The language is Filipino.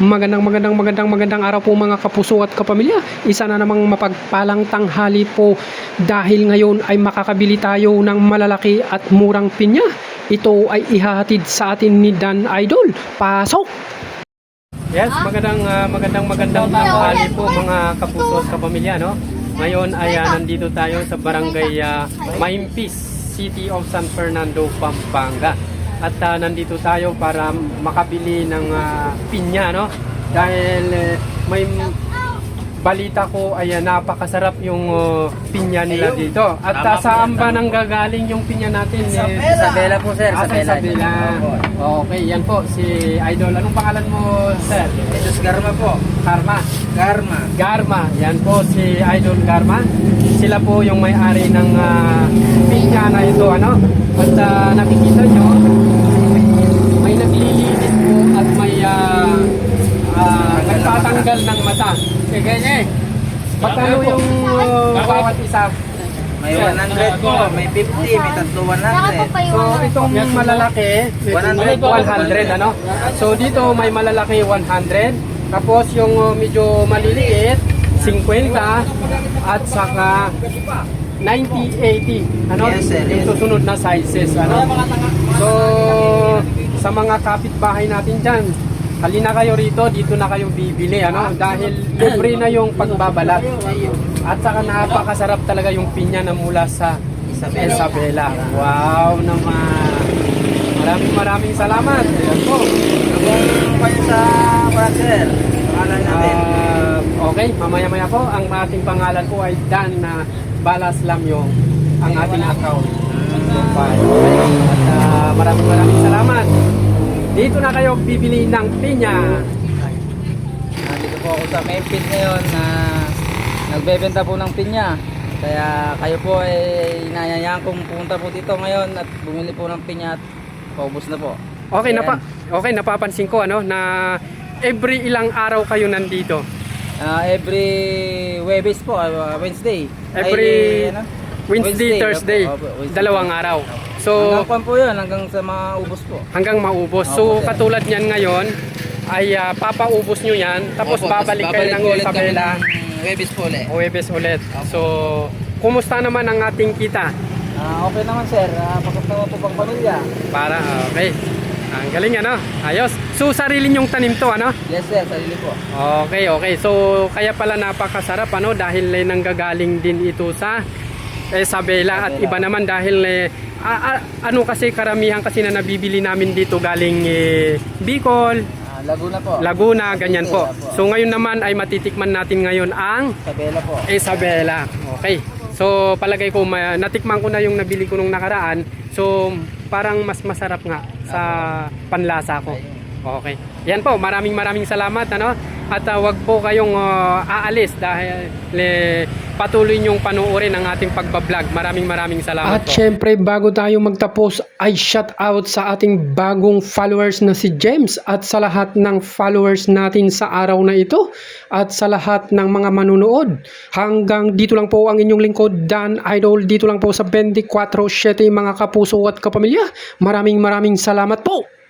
Magandang araw po mga kapuso at kapamilya. Isa na namang mapagpalang tanghali po dahil ngayon ay makakabili tayo ng malalaki at murang pinya. Ito ay ihahatid sa atin ni Dan Idol. Pasok! Yes, magandang tanghali po mga kapuso at kapamilya, no? Ngayon ay nandito tayo sa barangay Maimpis, City of San Fernando, Pampanga. At nandito tayo para makabili ng pinya, no? Dahil may balita ko ay napakasarap yung pinya nila dito. At saan ba nang gagaling yung pinya natin? Isabela po, sir. Isabela. Okay, yan po si Idol. Anong pangalan mo, sir? Jesus Garma po. Garma. Yan po si Idol Garma. Sila po yung may-ari ng pinya na ito, ano? At nakikita nyo, may naglilinis po at may nagtatanggal ng mata. Sige, magkano yung bawat isa? May 100 po, may 50, may tatlo 100. So itong malalaki 100, ano? So dito may malalaki 100, tapos yung medyo maliliit 50 at saka 90, 80, ano? Yes, sir. Yung susunod na sizes, ano? So sa mga kapitbahay natin dyan, halina kayo rito, dito na kayo bibili, ano? Dahil libre na yung pagbabalat. At saka napakasarap talaga yung pinya na mula sa Isabela. Wow naman! Maraming salamat. Ayan po. Kung kayo sa brother, pangalan natin. Okay, mamaya po, ang ating pangalan po ay Dan na Balas Lamyo, ang ating account. At maraming salamat. Dito na kayo bibili ng pinya. Nandito po ako sa Memphis ngayon na nagbebenta po ng pinya. Kaya kayo po ay inayayaan kong pumunta po dito ngayon at bumili po ng pinya at paubos na po. Okay, napapansin ko ano na every ilang araw kayo nandito. Every Webes po, Wednesday. Wednesday, Thursday, Wednesday. dalawang araw. So hanggang po yun, hanggang sa maubos po. Hanggang maubos. So katulad niyan ngayon ay papaubos nyo yan, tapos babalik kayo ng Isabela. Webes po ulit. Webes ulit. So kumusta naman ang ating kita? Okay naman, sir. Pakot naman po pang pamilya. Okay. Ang galing, ano? Ayos. So sarili nyong tanim to, ano? Yes, sir. Sarili po. Okay. So kaya pala napakasarap, ano? Dahil nanggagaling din ito sa Isabela. At iba naman dahil ano kasi karamihan kasi na nabibili namin dito galing Bicol, Laguna po. Laguna, ganyan po. So ngayon naman ay matitikman natin ngayon ang Isabela po. Isabela. Okay. So palagay ko natikman ko na yung nabili ko nung nakaraan. So parang mas masarap nga sa panlasa ko. Okay. Yan po, maraming salamat, ano? At wag po kayong aalis dahil patuloy niyong panuorin ang ating pagbablog. Maraming salamat at po. syempre bago tayo magtapos ay shout out sa ating bagong followers na si James at sa lahat ng followers natin sa araw na ito at sa lahat ng mga manunood. Hanggang dito lang po ang inyong lingkod, Dan Idol, dito lang po sa 24/7 mga kapuso at kapamilya. Maraming salamat po.